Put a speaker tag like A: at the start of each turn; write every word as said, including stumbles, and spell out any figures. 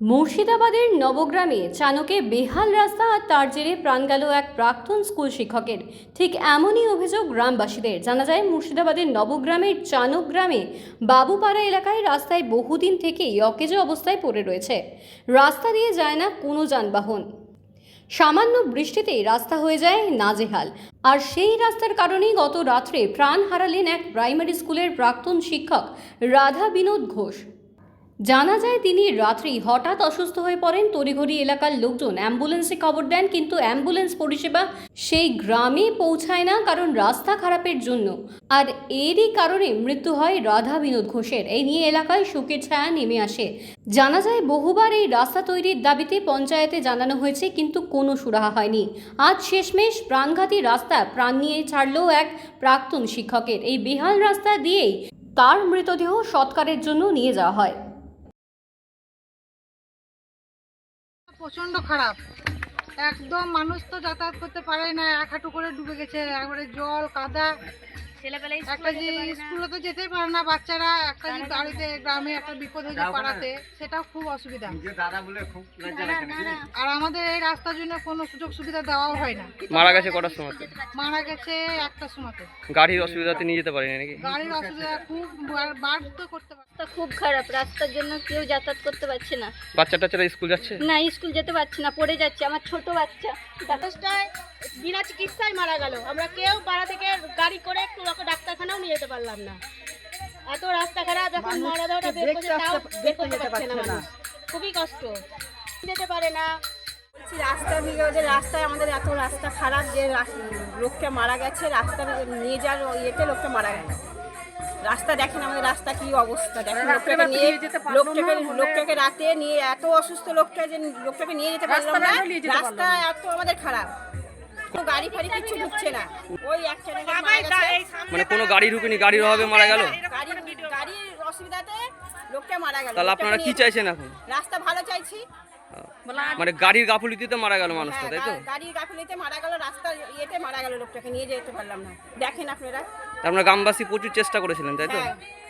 A: মুর্শিদাবাদের নবগ্রামে চানকে বেহাল রাস্তা আর তার জেরে প্রাণ গেল এক প্রাক্তন স্কুল শিক্ষকের। ঠিক এমনই অভিযোগ গ্রামবাসীদের। জানা যায় মুর্শিদাবাদের নবগ্রামের চানক গ্রামে বাবুপাড়া এলাকায় রাস্তায় বহুদিন থেকেই অকেজো অবস্থায় পড়ে রয়েছে। রাস্তা দিয়ে যায় না কোনো যানবাহন। সামান্য বৃষ্টিতেই রাস্তা হয়ে যায় নাজেহাল। আর সেই রাস্তার কারণেই গত রাত্রে প্রাণ হারালেন এক প্রাইমারি স্কুলের প্রাক্তন শিক্ষক রাধা বিনোদ ঘোষ। জানা যায় তিনি রাত্রি হঠাৎ অসুস্থ হয়ে পড়েন। তড়িঘড়ি এলাকার লোকজন অ্যাম্বুলেন্সে খবর দেন, কিন্তু অ্যাম্বুলেন্স পরিষেবা সেই গ্রামে পৌঁছায় না, কারণ রাস্তা খারাপের জন্য। আর এরই কারণে মৃত্যু হয় রাধা বিনোদ ঘোষের। এই নিয়ে এলাকায় শোকের ছায়া নেমে আসে। জানা যায় বহুবার এই রাস্তা তৈরির দাবিতে পঞ্চায়েতে জানানো হয়েছে, কিন্তু কোনো সুরাহা হয়নি। আজ শেষমেশ প্রাণঘাতী রাস্তা প্রাণ নিয়ে ছাড়ল এক প্রাক্তন শিক্ষকের। এই বেহাল রাস্তা দিয়েই তার মৃতদেহ সৎকারের জন্য নিয়ে যাওয়া হয়।
B: প্রচন্ড খারাপ, একদম মানুষ তো যাতায়াত করতে পারে না, এক হাঁটু করে ডুবে গেছে, একবারে জল কাদা। একটা যে স্কুলে তো যেতেই পারে না বাচ্চারা, একটা যে গাড়িতে গ্রামে একটা বিপদ হয়েছে পাড়াতে, সেটাও খুব অসুবিধা। আর আমাদের এই রাস্তার জন্য কোনো সুযোগ সুবিধা দেওয়াও হয় না।
C: মারা গেছে কটার সময়?
B: মারা গেছে একটার সময়।
C: গাড়ির অসুবিধাতে নিয়ে যেতে পারেনি নাকি?
B: গাড়ির অসুবিধা খুব, বার তো করতে পারে।
D: রাস্তা খুব খারাপ, রাস্তার জন্য কেউ যাতায়াত করতে পারছে না।
C: বাচ্চা টাচ্চারা স্কুল যাচ্ছে
D: না, স্কুল যেতে পারছে না, পড়ে যাচ্ছে। আমার ছোট বাচ্চা
E: বাতাসটায় বিনা চিকিৎসায় মারা গেল। আমরা কেউ পাড়া থেকে গাড়ি করে একটু ডাক্তারখানাও নিয়ে যেতে পারলাম না। এত রাস্তা খারাপ, এখন মারা দেওয়াটা বের করতে তাও বের করতে পারছে না মানুষ। খুবই কষ্ট, যেতে পারে না।
F: বলছি রাস্তা বিরোধের রাস্তায় আমাদের এত রাস্তা খারাপ যে লোকটা মারা গেছে, রাস্তা নিয়ে যাওয়ার ইয়েতে লোকটা মারা গেছে। রাস্তা দেখেন আমাদের রাস্তা কি অবস্থা, দেখেন লোকটাকে নিয়ে লোকটাকে লোকটাকে রাতে নিয়ে এত অসুস্থ লোকটা যে লোকটাকে নিয়ে যেতে পারলাম না। রাস্তা এত আমাদের খারাপ, কোনো গাড়ি ফাড়ি কিছু ঢুকছে না। ওই একটা
C: মানে কোনো গাড়ি ঢুকেনি, গাড়ির অভাবে মারা গেল।
F: গাড়ির গাড়ির অসুবিধাতে লোকটা মারা গেল।
C: তাহলে আপনারা কি চাইছেন এখন?
F: রাস্তা ভালো চাইছি।
C: মানে গাড়ির গাফিলতিতে মারা গেল মানুষটা, তাই তো?
F: গাড়ির গাফিলতিতে মারা গেল, রাস্তার ইয়েতে মারা গেল, লোকটাকে নিয়ে যেতে পারলাম না। দেখেন আপনারা।
C: আপনারা গ্রামবাসী প্রচুর চেষ্টা করেছিলেন, তাই তো?
F: হ্যাঁ।